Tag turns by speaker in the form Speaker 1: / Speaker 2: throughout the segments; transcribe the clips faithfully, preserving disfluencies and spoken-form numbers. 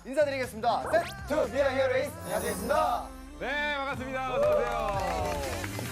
Speaker 1: 인사드리겠습니다. 셋, 투, 미아 히어로이스 안녕하십니까.
Speaker 2: 네, 반갑습니다. 어서 오세요.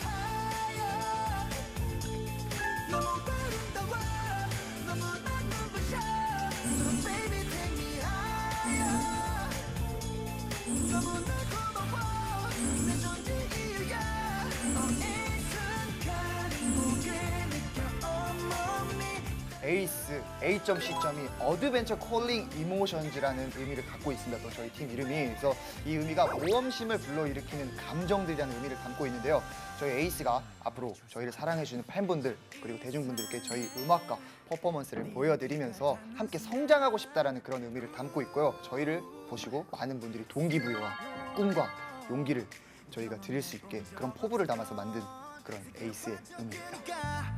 Speaker 1: 에이스, A점 C점이 어드벤처 콜링 이모션즈라는 의미를 갖고 있습니다. 또 저희 팀 이름이. 그래서 이 의미가 모험심을 불러일으키는 감정들이라는 의미를 담고 있는데요. 저희 에이스가 앞으로 저희를 사랑해주는 팬분들 그리고 대중분들께 저희 음악과 퍼포먼스를 보여드리면서 함께 성장하고 싶다라는 그런 의미를 담고 있고요. 저희를 보시고 많은 분들이 동기부여와 꿈과 용기를 저희가 드릴 수 있게 그런 포부를 담아서 만든 그런 에이스의 의미입니다.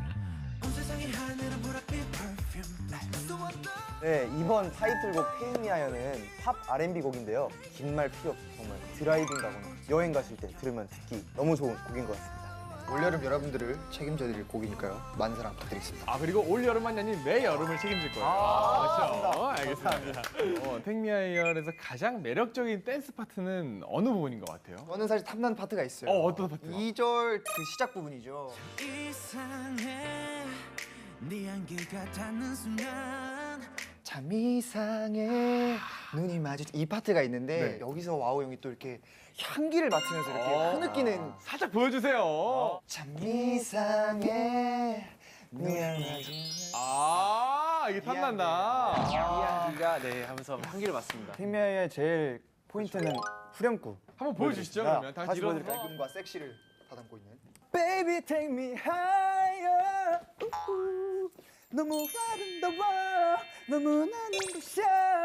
Speaker 3: 네, 이번 타이틀곡 테이미아연은 팝 알앤비 곡인데요. 긴 말 필요 없이 정말 드라이빙 가거나 여행 가실 때 들으면 듣기 너무 좋은 곡인 것 같습니다.
Speaker 1: 올여름 여러분들을 책임져 드릴 곡이니까요. 많은 사랑 부탁드리겠습니다.
Speaker 2: 아, 그리고 올 여름만이 아닌 매 여름을 책임질 거예요.
Speaker 3: 아,
Speaker 2: 그렇죠? 어, 알겠습니다. 어, 택미아이얼에서 가장 매력적인 댄스 파트는 어느 부분인 것 같아요?
Speaker 1: 저는 사실 탐나는 파트가 있어요.
Speaker 2: 어, 어떤 파트요?
Speaker 1: 이 절 그 시작 부분이죠.
Speaker 4: 이상해 네 안개가 닿는 순간
Speaker 1: 참 이상해 눈이 마주 이 파트가 있는데
Speaker 2: 네.
Speaker 1: 여기서 와우 형이 또 이렇게 향기를 맡으면서 이렇게
Speaker 2: 어.
Speaker 1: 흐느끼는
Speaker 2: 살짝 보여주세요.
Speaker 1: 참 이상해 눈이 마주
Speaker 2: 아, 이게 탐난다.
Speaker 5: 이 향기가 네 하면서 향기를 맡습니다.
Speaker 3: 테이미아연의 제일 포인트는 후렴구.
Speaker 2: 한번 보여주시죠, 그러면. 다시
Speaker 3: 다시
Speaker 2: 일어나서.
Speaker 1: 밝음과 섹시를 다 담고 있는
Speaker 3: Baby take me higher. 우우. 너무 아름다워. 너무나 눈부셔.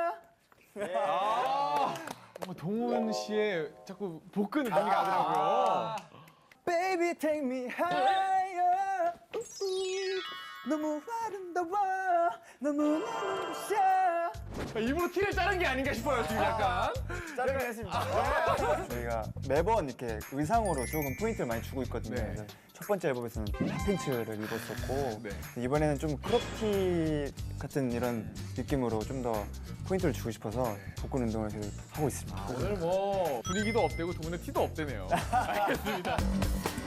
Speaker 2: 아, 뭐 동훈 씨의 자꾸 복근을 가더라고요.
Speaker 3: Baby take me higher. 우우. 너무 아름다워. 너무나 눈부셔.
Speaker 2: 일부러 티를 자른 게 아닌가 싶어요, 지금 약간.
Speaker 3: 짜증을 했습니다. 저희가 매번 이렇게 의상으로 조금 포인트를 많이 주고 있거든요.
Speaker 2: 네.
Speaker 3: 그래서 첫 번째 앨범에서는 핫팬츠를 입었었고
Speaker 2: 네.
Speaker 3: 이번에는 좀 크롭티 같은 이런 느낌으로 좀 더 포인트를 주고 싶어서 복근 운동을 계속 하고 있습니다.
Speaker 2: 오늘 뭐 분위기도 업되고 동훈의 티도 업되네요. 알겠습니다.